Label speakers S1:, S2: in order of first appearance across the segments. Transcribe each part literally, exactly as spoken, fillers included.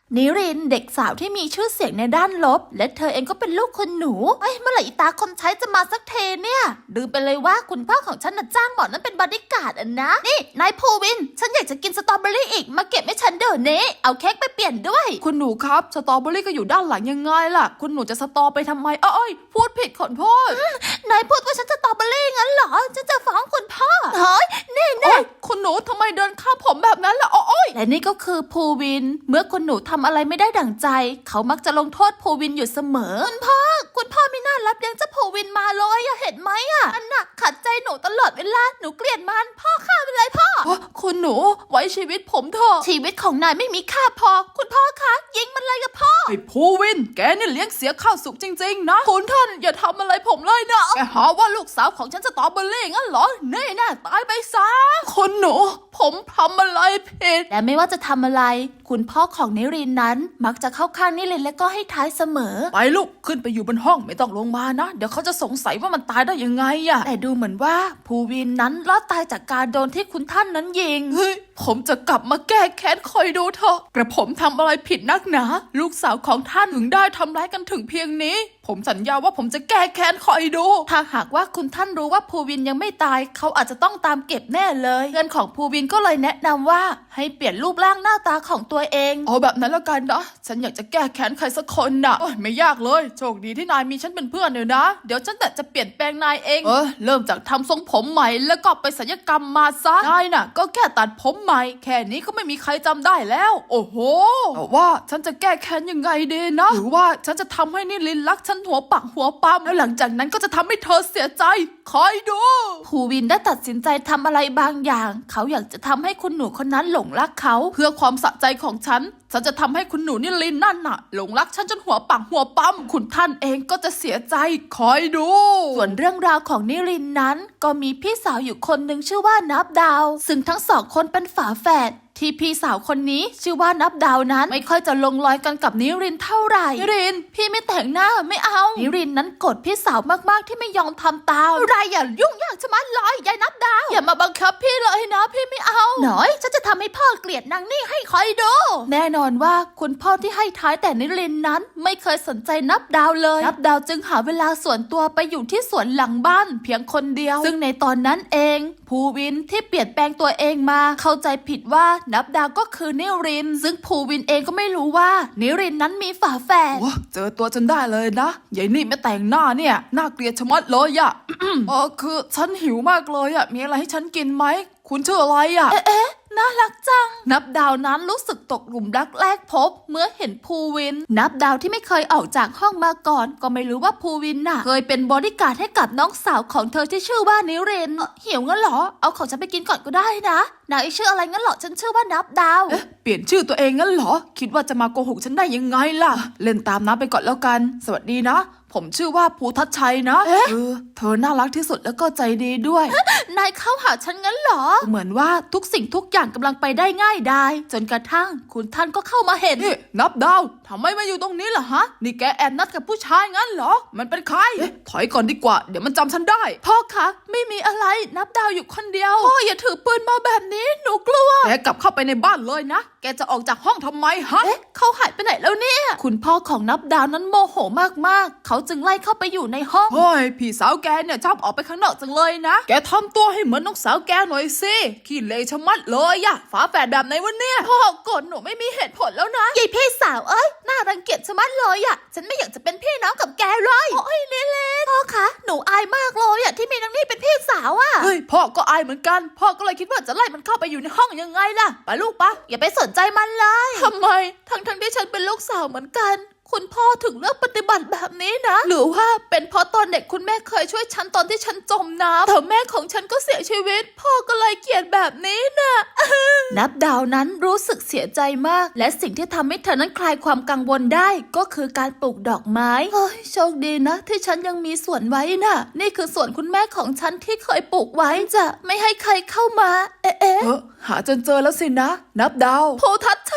S1: นิรินเด็กสาวที่มีชื่อเสียงในด้านลบและเธอเองก็เป็นลูกคนหนูเอ้ยเมื่อไหร่อีตาคนใช้จะมาสักเทเนี่ยลืมไปเลยว่าคุณพ่อของฉันน่ะจ้างหมอนั้นเป็นบอดี้การ์ดอ่ะนะนี่นายภูวินฉันอยากจะกินสตรอเบอรี่อีกมาเก็บให้ฉันเดี๋ยวนี้เอาเค้กไปเปลี่ยนด้วย
S2: คุณหนูครับสตรอเบอรี่ก็อยู่ด้านหลังยังไงล่ะคุณหนูจะสตอไปทำไมเอ้ยพูดผิดขอโทษ
S1: นายพูดว่าฉันสตรอเบอรี่งั้นเหรอฉันจะฟ้องคุณพ่อเฮ้ยแน่แน่
S2: คุณหนูทำไมเดินข้ามผมแบบนั้นล่ะโอ้ย
S1: และนี่ก็คือภูวินเมื่อคุณหนูทำอะไรไม่ได้ดั่งใจเขามักจะลงโทษภูวินอยู่เสมอคุณพ่อคุณพ่อไม่น่ารับเลี้ยงเจ้าภูวินมาเลยอะเห็นไหมอะอันน่ะขัดใจหนูตลอดเวลาหนูเกลียดมันพ่อฆ่าไปเลยพ่อ
S2: คุณหนูไว้ชีวิตผมเถอะ
S1: ชีวิตของนายไม่มีค่าพอคุณพ่อคะยิงมันเลยกับพ่อ
S2: ไอ้ภูวินแกนี่เลี้ยงเสียข้าวสุกจริงๆนะคุณท่านอย่าทำอะไรผมเลยนะแกหาว่าลูกสาวของฉันสตรอเบอรี่งั้นเหรอแน่น่าตายไปซะคุณหนูผมทำอะไรผิด
S1: และไม่ว่าจะทำอะไรคุณพ่อของนิรินนั้นมักจะเข้าข้างนิรินและก็ให้ท้ายเสมอ
S2: ไปลูกขึ้นไปอยู่บนห้องไม่ต้องลงมานะเดี๋ยวเขาจะสงสัยว่ามันตายได้ยังไงอะ
S1: แต่ดูเหมือนว่าภูวินนั้นรอดตายจากการโดนที่คุณท่านนั้นยิง
S2: เฮ้ยผมจะกลับมาแก้แค้นคอยดูเถอะกระผมทำอะไรผิดนักหนาลูกสาวของท่านถึงได้ทำร้ายกันถึงเพียงนี้ผมสัญญาว่าผมจะแก้แค้นคอยดู
S1: ถ้าหากว่าคุณท่านรู้ว่าภูวินยังไม่ตายเขาอาจจะต้องตามเก็บแน่เลยเพื่อนของภูวินก็เลยแนะนำว่าให้เปลี่ยนรูปร่างหน้าตาของตัวเอง
S2: เอาแบบนั้นแล้วกันนะฉันอยากจะแก้แค้นใครสักคนน่ะไม่ยากเลยโชคดีที่นายมีฉันเป็นเพื่อนเดี๋ยวนะเดี๋ยวฉันจะเปลี่ยนแปลงนายเองเออเริ่มจากทำทรงผมใหม่แล้วก็ไปศัลยกรรมมาซะนายน่ะก็แค่ตัดผมใหม่แค่นี้ก็ไม่มีใครจำได้แล้วโอ้โหแต่ว่าฉันจะแก้แค้นยังไงดีนะหรือว่าฉันจะทำให้นิลินรักฉันหัวปักหัวปั๊มแล้วหลังจากนั้นก็จะทำให้เธอเสียใจคอยดู
S1: ภูวินได้ตัดสินใจทำอะไรบางอย่างเขาอยากจะทำให้คุณหนูคนนั้นหลงรักเขา
S2: เพื่อความสะใจของฉันฉันจะทำให้คุณหนูนิลินนั่นน่ะหลงรักฉันจนหัวปักหัวปั๊มคุณท่านเองก็จะเสียใจคอยดู
S1: ส่วนเรื่องราวของนิรินนั้นก็มีพี่สาวอยู่คนหนึ่งชื่อว่านับดาวซึ่งทั้งสองคนเป็นฝาแฝดที่พี่สาวคนนี้ชื่อว่านับดาวนั้นไม่ค่อยจะลงรอยกันกับนิรินเท่าไหร่นิรินพี่ไม่แต่งหน้าไม่เอานิรินนั้นกดพี่สาวมากๆที่ไม่ยอมทำตามอะไรอย่ายุ่งยากชะมัดเลยยายนับดาวอย่ามาบังคับพี่เลยนะพี่ไม่เอาหน่อยฉันจะทำให้พ่อเกลียดนางนี่ให้คอยดูแน่นอนว่าคุณพ่อที่ให้ท้ายแต่นิรินนั้นไม่เคยสนใจนับดาวเลยนับดาวจึงหาเวลาส่วนตัวไปอยู่ที่สวนหลังบ้านเพียงคนเดียวซึ่งในตอนนั้นเองภูวินที่เปลี่ยนแปลงตัวเองมาเข้าใจผิดว่านับดาวก็คือนิรินซึ่งภูวินเองก็ไม่รู้ว่านิรินนั้นมีฝาแฝด
S2: เจอตัวจนได้เลยนะยายนี่ไม่แต่งหน้าเนี่ยน่าเกลียดชะมัดเลยอะ เออคือฉันหิวมากเลยอะมีอะไรให้ฉันกินไหมคุณชื่ออะไรอะ
S1: เอ๊ะน่ารักจังนับดาวนั้นรู้สึกตกหลุมรักแรกพบเมื่อเห็นภูวินนับดาวที่ไม่เคยออกจากห้องมาก่อนก็ไม่รู้ว่าภูวินน่ะเคยเป็นบอดี้การ์ดให้กับน้องสาวของเธอที่ชื่อว่านิรินหิวงั้นเหรอเอาของฉันไปกินก่อนก็ได้นะนายชื่ออะไรงั้นเหรอฉันชื่อว่านับดาว
S2: เอ๊ะเปลี่ยนชื่อตัวเองงั้นเหรอคิดว่าจะมาโกหกฉันได้ยังไงล่ะเล่นตามน้ำไปก่อนแล้วกันสวัสดีนะผมชื่อว่าภูทัชชัยนะเออเธอน่ารักที่สุดแล้วก็ใจดีด้วย
S1: นายเข้าหาฉันงั้นเหรอ
S2: เหมือนว่าทุกสิ่งทุกอย่างกำลังไปได้ง่ายดาย
S1: จนกระทั่งคุณท่านก็เข้ามาเห็น
S2: นี่นับดาวทำไมมาอยู่ตรงนี้ล่ะฮะนี่แกแอบนัดกับผู้ชายงั้นเหรอมันเป็นใครเอ๊ะถอยก่อนดีกว่าเดี๋ยวมันจำฉันได้
S1: พ่อคะไม่มีอะไรนับดาวอยู่คนเดียวพ่ออย่าถือปืนมาแบบนี้หนูกลัว
S2: แกกลับเข้าไปในบ้านเลยนะแกจะออกจากห้องทำไมฮะ
S1: เอ๊ะเขาหายไปไหนแล้วเนี่ยคุณพ่อของนับดาวนั้นโมโหมากๆเขาจึงไล่เข้าไปอยู่ในห้อง
S2: เฮ้ยพี่สาวแกเนี่ยชอบออกไปข้างนอกจังเลยนะแกทำตัวให้เหมือนน้องสาวแกหน่อยสิขี้เลชะมัดเลยอะฝาแฝดแบบไหนวะเนี่ย
S1: พ่อกดหนูไม่มีเหตุผลแล้วนะยายพี่สาวเอ้ยน่ารังเกียจชะมัดเลยอะฉันไม่อยากจะเป็นพี่น้องกับแกเลยโอ้ยเล่นๆพ่อคะหนูอายมากเลยอะที่มีนางนี่เป็นพี่สาวอะ
S2: เฮ้ยพ่อก็อายเหมือนกันพ่อก็เลยคิดว่าจะไล่มันเข้าไปอยู่ในห้องยังไงล่ะไปลูกปะ
S1: อย่าไปสนใจมันเลย
S2: ทำไม
S1: ทั้งทั้งที่ฉันเป็นลูกสาวเหมือนกันคุณพ่อถึงเลือกปฏิบัติแบบนี้นะหรือว่าเป็นเพราะตอนเด็กคุณแม่เคยช่วยฉันตอนที่ฉันจมน้ำแต่แม่ของฉันก็เสียชีวิตพ่อก็เลยเกลียดแบบนี้นะนับดาวนั้นรู้สึกเสียใจมากและสิ่งที่ทำให้เธอนั้นคลายความกังวลได้ก็คือการปลูกดอกไม้เฮ้ยโชคดีนะที่ฉันยังมีสวนไว้น่ะนี่คือสวนคุณแม่ของฉันที่เคยปลูกไว้จะไม่ให้ใครเข้ามาเอ๊ะ
S2: หาจนเจอแล้วสินะนับดาว
S1: โพทัชชั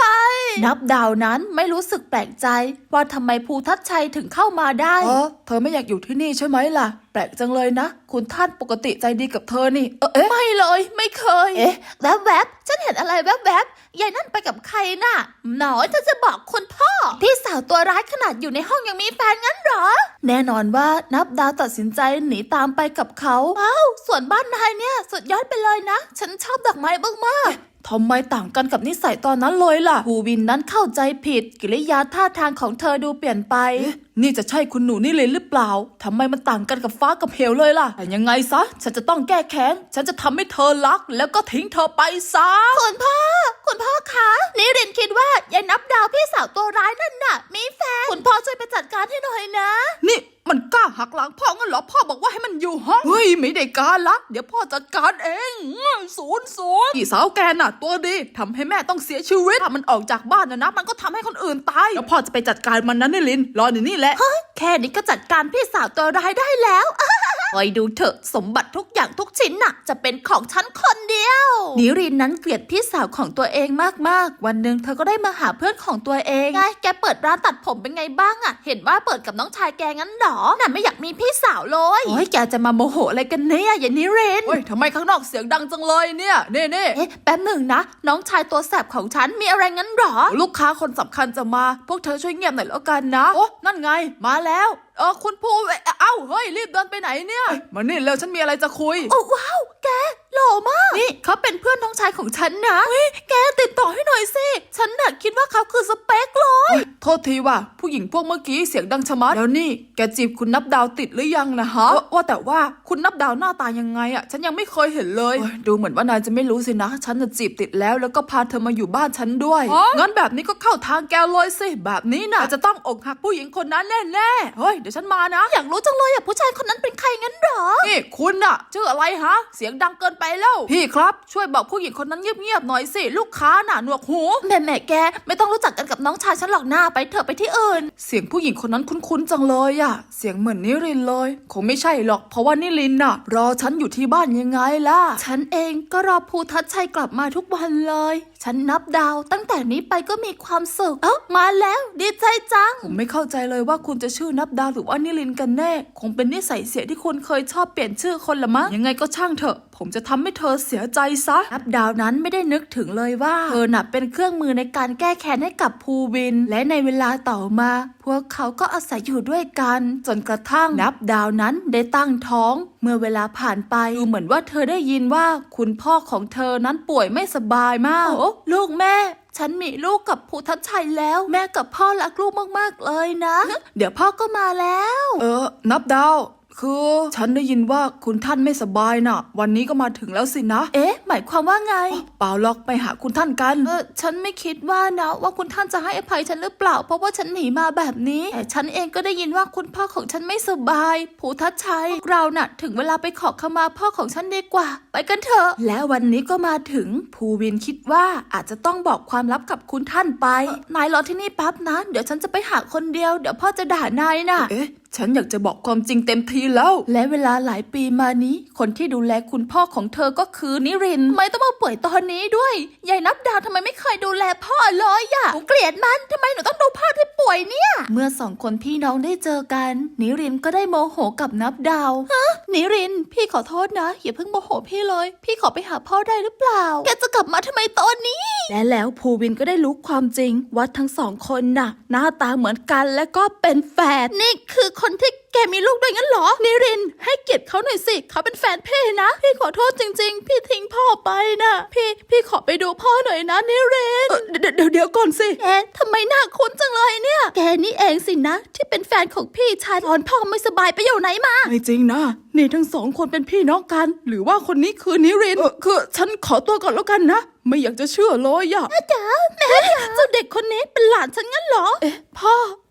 S1: นับดาวนั้นไม่รู้สึกแปลกใจว่าทำไมภูทัชชัยถึงเข้ามาได้
S2: เออเธอไม่อยากอยู่ที่นี่ใช่ไหมล่ะแปลกจังเลยนะคุณท่านปกติใจดีกับเธอนี่เออเอ๊ะ
S1: ไม่เลยไม่เคย เอ๊ะแวบแวบๆฉันเห็นอะไรแวบแวบๆยายนั่นไปกับใครน่ะหนอยเธอจะบอกคุณพ่อพี่สาวตัวร้ายขนาดอยู่ในห้องยังมีแฟนงั้นเหรอ แน่นอนว่านับดาวตัดสินใจหนีตามไปกับเขาว้าวส่วนบ้านนายเนี่ยสุดยอดไปเลยนะ ฉันชอบดอกไม้มากๆ
S2: ทำไมต่างกันกับนิสัยตอนนั้นเลยล่ะ
S1: ภูวินนั้นเข้าใจผิดกิริยาท่าทางของเธอดูเปลี่ยนไป
S2: นี่จะใช่คุณหนูนี่เลยหรือเปล่าทำไมมันต่างกันกับฟ้ากับเหวเลยล่ะแต่ยังไงซะฉันจะต้องแก้แค้นฉันจะทำให้เธอรักแล้วก็ทิ้งเธอไปซะ
S1: คุณพ่อ คุณพ่อคะนิรินคิดว่ายายนับดาวพี่สาวตัวร้ายนั่นน่ะ มีแฟน คุณพ่อช่วยไปจัดการให้หน่อยนะ
S2: นี่มันกล้าหักหลังพ่องั้นเหรอพ่อบอกว่าให้มันอยู่ห้องเฮ้ยไม่ได้การละเดี๋ยวพ่อจัดการเองศูนย์ศูนย์พี่สาวแกน่ะตัวดีทำให้แม่ต้องเสียชีวิตถ้ามันออกจากบ้านนะนะมันก็ทำให้คนอื่นตายแล้วพ่อจะไปจัดการมันนั้นนี่ลินรออยู่นี่แหละ
S1: แค่นี้ก็จัดการพี่สาวตัวร้ายได้แล้ว คอยดูเถอะสมบัติทุกอย่างทุกชิ้นน่ะ จะเป็นของฉันคนเดียว นิรินนั้นเกลียดพี่สาวของตัวเองมากๆ วันหนึ่งเธอก็ได้มาหาเพื่อนของตัวเองไงแกเปิดร้านตัดผมเป็นไงบ้างอะเห็นว่าเปิดกับน้องชายแกงั้นหรอน่ะไม่อยากมีพี่สาวเลยโอ้ยแกจะมาโมโหอะไรกันเนี่ยอย่านิริน
S2: เฮ้ยทำไมข้างนอกเสียงดังจังเลยเนี่ยเน่เน่
S1: เอ๊ะแป๊บหนึ่งนะ น้องชายตัวแสบของฉันมีอะไรงั้นหรอ
S2: ลูกค้าคนสำคัญจะมา พวกเธอช่วยเงียบหน่อยแล้วกันนะโอ้นั่นไงมาแล้วเออคุณผู้เอ้าเฮ้ยรีบเดินไปไหนเนี่ยมานี่เร็วฉันมีอะไรจะคุย
S1: โอ้ว้าวแกหล่อมากนี่เขาเป็นเพื่อนน้องชายของฉันนะเฮ้ยแกติดต่อให้หน่อยสิฉันน่ะคิดว่าเขาคือสเปคเลย
S2: โทษทีว่ะผู้หญิงพวกเมื่อกี้เสียงดังชะมัดแล้วนี่แกจีบคุณนับดาวติดหรือยังนะฮะว่าแต่ว่าคุณนับดาวหน้าตายังไงอ่ะฉันยังไม่เคยเห็นเลยดูเหมือนว่านายจะไม่รู้สินะฉันจะจีบติดแล้วแล้วก็พาเธอมาอยู่บ้านฉันด้วยงั้นแบบนี้ก็เข้าทางแกเลยสิแบบนี้นะจะต้องอกหักผู้หญิงคนนั้นแน่ๆเฮ้ยเดี๋ยวฉันมานะ
S1: อยากรู้จังเลยอ่ะผู้ชายคนนั้นเป็นใครงั้นหรอ
S2: นี่คุณอะชื่ออะไรฮะเสียงดังเกินไปแล้วพี่ครับช่วยบอกผู้หญิงคนนั้นเงียบๆหน่อยสิลูกค้าน่ะหนวกหู
S1: แม่แม่แกไม่ต้องรู้จักกันกับน้องชายฉันหรอกหน้าไปเถอะไปที่อื่น
S2: เสียงผู้หญิงคนนั้นคุ้นๆจังเลยอะเสียงเหมือนนิรินเลยคงไม่ใช่หรอกเพราะว่านิรินน่ะรอฉันอยู่ที่บ้านยังไงล่ะ
S1: ฉันเองก็รอภูทัชชัยกลับมาทุกวันเลยฉันนับดาวตั้งแต่นี้ไปก็มีความสุขเอ้ามาแล้วดีใจจัง
S2: ผมไม่เข้าใจเลยว่าคุณจะชื่อนับดาวหรือว่านิรินกันแน่คงเป็นนิสัยเสียที่คุณเคยชอบเปลี่ยนชื่อคนละมั้งยังไงก็ช่างเถอะผมจะทำให้เธอเสียใจซะ
S1: นับดาวนั้นไม่ได้นึกถึงเลยว่าเธอน่ะเป็นเครื่องมือในการแก้แค้นให้กับภูวินและในเวลาต่อมาพวกเขาก็อาศัยอยู่ด้วยกันจนกระทั่งนับดาวนั้นได้ตั้งท้องเมื่อเวลาผ่านไปดูเหมือนว่าเธอได้ยินว่าคุณพ่อของเธอนั้นป่วยไม่สบายมากโอ้ลูกแม่ฉันมีลูกกับภูทัชชัยแล้วแม่กับพ่อรักลูกมากๆเลยนะ เดี๋ยวพ่อก็มาแล้ว
S2: เออนับดาวคือฉันได้ยินว่าคุณท่านไม่สบายน่ะวันนี้ก็มาถึงแล้วสินะ
S1: เอ๊ะหมายความว่าไง
S2: เปล่าหรอกไปหาคุณท่านกัน
S1: เออฉันไม่คิดว่านะว่าคุณท่านจะให้อภัยฉันหรือเปล่าเพราะว่าฉันหนีมาแบบนี้แต่ฉันเองก็ได้ยินว่าคุณพ่อของฉันไม่สบายภูทัชชัยพวกเราน่ะถึงเวลาไปขอขมาพ่อของฉันดีกว่าไปกันเถอะและวันนี้ก็มาถึงภูวินคิดว่าอาจจะต้องบอกความลับกับคุณท่านไปนายรอที่นี่แป๊บนะเดี๋ยวฉันจะไปหาคนเดียวเดี๋ยวพ่อจะด่านายน่ะ
S2: เอ๊ะฉันอยากจะบอกความจริงเต็มทีแล้ว
S1: และเวลาหลายปีมานี้คนที่ดูแลคุณพ่อของเธอก็คือนิรินทร์ทำไมต้องมาป่วยตอนนี้ด้วยยายนับดาวทำไมไม่เคยดูแลพ่อเลยอะหนูเกลียดมันทำไมหนูต้องดูพ่อที่ป่วยเนี่ยเมื่อสองคนพี่น้องได้เจอกันนิรินทร์ก็ได้โมโหกับนับดาวฮะนิรินทร์พี่ขอโทษนะอย่าเพิ่งโมโหพี่เลยพี่ขอไปหาพ่อได้หรือเปล่าแกจะกลับมาทำไมตอนนี้และแล้วภูวินก็ได้รู้ความจริงว่าทั้งสองคนน่ะหน้าตาเหมือนกันและก็เป็นแฝดนี่คือคนที่แกมีลูกด้วยงั้นเหรอนิรินทร์ให้เกียรติเขาหน่อยสิเขาเป็นแฟนพี่นะพี่ขอโทษจริงๆพี่ทิ้งพ่อไปนะพี่พี่ขอไปดูพ่อหน่อยนะนิรินทร์
S2: เออเดี๋ยวเดี๋ยวเดี๋ยวก่อนสิ
S1: แกทำไมหน้าคุ้นจังเลยเนี่ยแกนี่เองสินะที่เป็นแฟนของพี่ชายตอนพ่อไม่สบายไปอยู่ไหนมา
S2: ไม่จริงนะนี่ทั้งสองคนเป็นพี่น้องกัน หรือว่าคนนี้คือนิรินทร์เออคือฉันขอตัวก่อนแล้วกันนะไม่อยากจะเชื่อเลยอะ
S1: จ๋าแม่จ๋าเจ้าเด็กคนนี้เป็นหลานฉันงั้นเหรอเอ๊ะพ่อ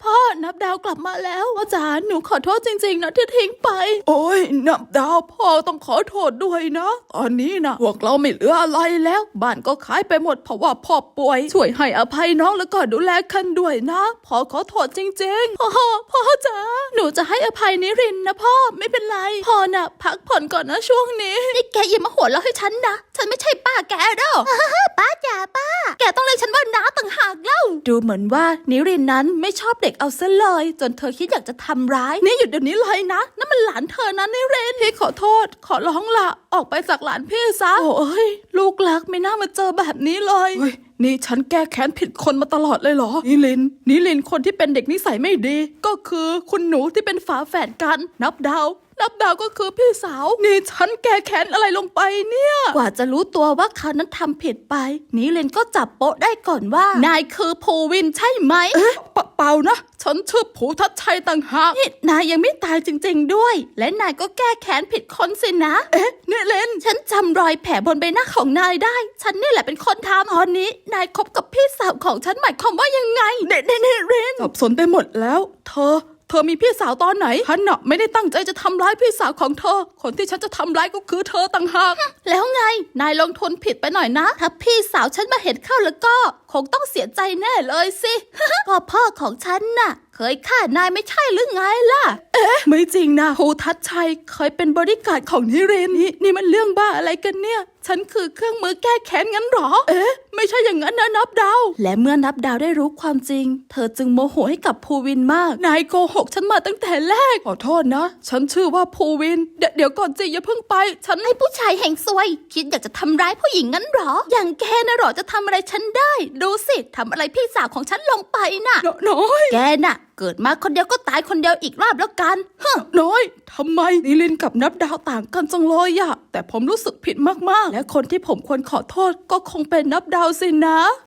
S1: พ่อนับดาวกลับมาแล้วพ่อจ๋าหนูขอโทษจริงๆนะที่ทิ้งไป
S2: โอ้ยนับดาวพ่อต้องขอโทษด้วยนะตอนนี้นะพวกเราไม่เหลืออะไรแล้วบ้านก็ขายไปหมดเพราะว่าพ่อป่วยช่วยให้อภัยน้องแล้วก็ดูแลคันด้วยนะพ่อขอโทษจริงๆ
S1: พ่อพ่อจ๋าหนูจะให้อภัยนิรินทร์นะพ่อไม่เป็นไรพ่อน่ะพักผ่อนก่อนนะช่วงนี้นี่แกอย่ามาหัวเราะให้ฉันนะฉันไม่ใช่ป้าแกเด้อ ป้าจ๋าป้าแกต้องเรียกฉันว่าน้าต่างหากเล่าดูเหมือนว่านิรินทร์นั้นไม่ชอบเด็กเอาซะเลยจนเธอคิดอยากจะทำร้ายนี่หยุดเดี๋ยวนี้เลยนะนั่นมันหลานเธอนะนิรินทร์พี่ขอโทษขอร้องละออกไปจากหลานพี่ซะโอ้ยลูกรักไม่น่ามาเจอแบบนี้เลย
S2: เฮ้ยนี่ฉันแก้แค้นผิดคนมาตลอดเลยเหรอนิลินนิลินคนที่เป็นเด็กนิสัยไม่ดี ก็คือคุณหนูที่เป็นฝาแฝดกันนับดาวนับดาวก็คือพี่สาวนี่ฉันแก้แค้นอะไรลงไปเนี่ย
S1: กว่าจะรู้ตัวว่าเขานั้นทำผิดไปนิรินทร์ก็จับโป๊ะได้ก่อนว่านายคือภูวินใช่ไหม
S2: เอ๊ะเปเปล่านะฉันชื่อภูทัชชัยต่างหาก
S1: นี่นายยังไม่ตายจริงๆด้วย และนายก็แก้แค้นผิดคนสินะ
S2: เอ๊ะนิลิน
S1: ฉันจำรอยแผลบนใบหน้าของนายได้ ฉันนี่แหละเป็นคนทำตอนนี้นายคบกับพี่สาวของฉันหมายความว่ายังไงเดนเดนเรน
S2: สับสนไปหมดแล้ว เธอ เธอมีพี่สาวตอนไหนฉันน่ะไม่ได้ตั้งใจจะทำร้ายพี่สาวของเธอ คนที่ฉันจะทำร้ายก็คือเธอต่างหาก
S1: แล้วไงนายลงทุนผิดไปหน่อยนะ ถ้าพี่สาวฉันมาเห็นเข้าแล้วก็คงต้องเสียใจแน่เลยสิ ก็พ่อของฉันน่ะ เคยฆ่านายไม่ใช่หรือไงล่ะ
S2: ไม่จริงนะภูทัชชัยเคยเป็นบริการดของนิรินนี่นี่มันเรื่องบ้าอะไรกันเนี่ย ฉันคือเครื่องมือแก้แค้นงั้นหรอ เอ๊ะไม่ใช่อย่างนั้นนะนับดาว
S1: และเมื่อนับดาวได้รู้ความจริง เธอจึงโมโหให้กับภูวินมาก
S2: นายโกหกฉันมาตั้งแต่แรกขอโทษนะ ฉันชื่อว่าภูวินเดยวเดี๋ยวก่อนสิอย่าเพิ่งไป ฉัน
S1: ไอ้ผู้ชายแห่งซวย คิดอยากจะทำร้ายผู้หญิงงั้นหรอ อย่างแกนะหรอจะทำอะไรฉันได้ ดูสิทำอะไรพี่สาวของฉันลงไปน่ะ
S2: น้อย
S1: แกน่ะ เกิดมาคนเดียวก็ตายคนเดียวอีกรอบแล้วกันฮะ
S2: น้อยทำไมนิลินกับนับดาวต่างกันจังเลยอะแต่ผมรู้สึกผิดมากๆ และคนที่ผมควรขอโทษก็คงเป็นนับดาวสินะ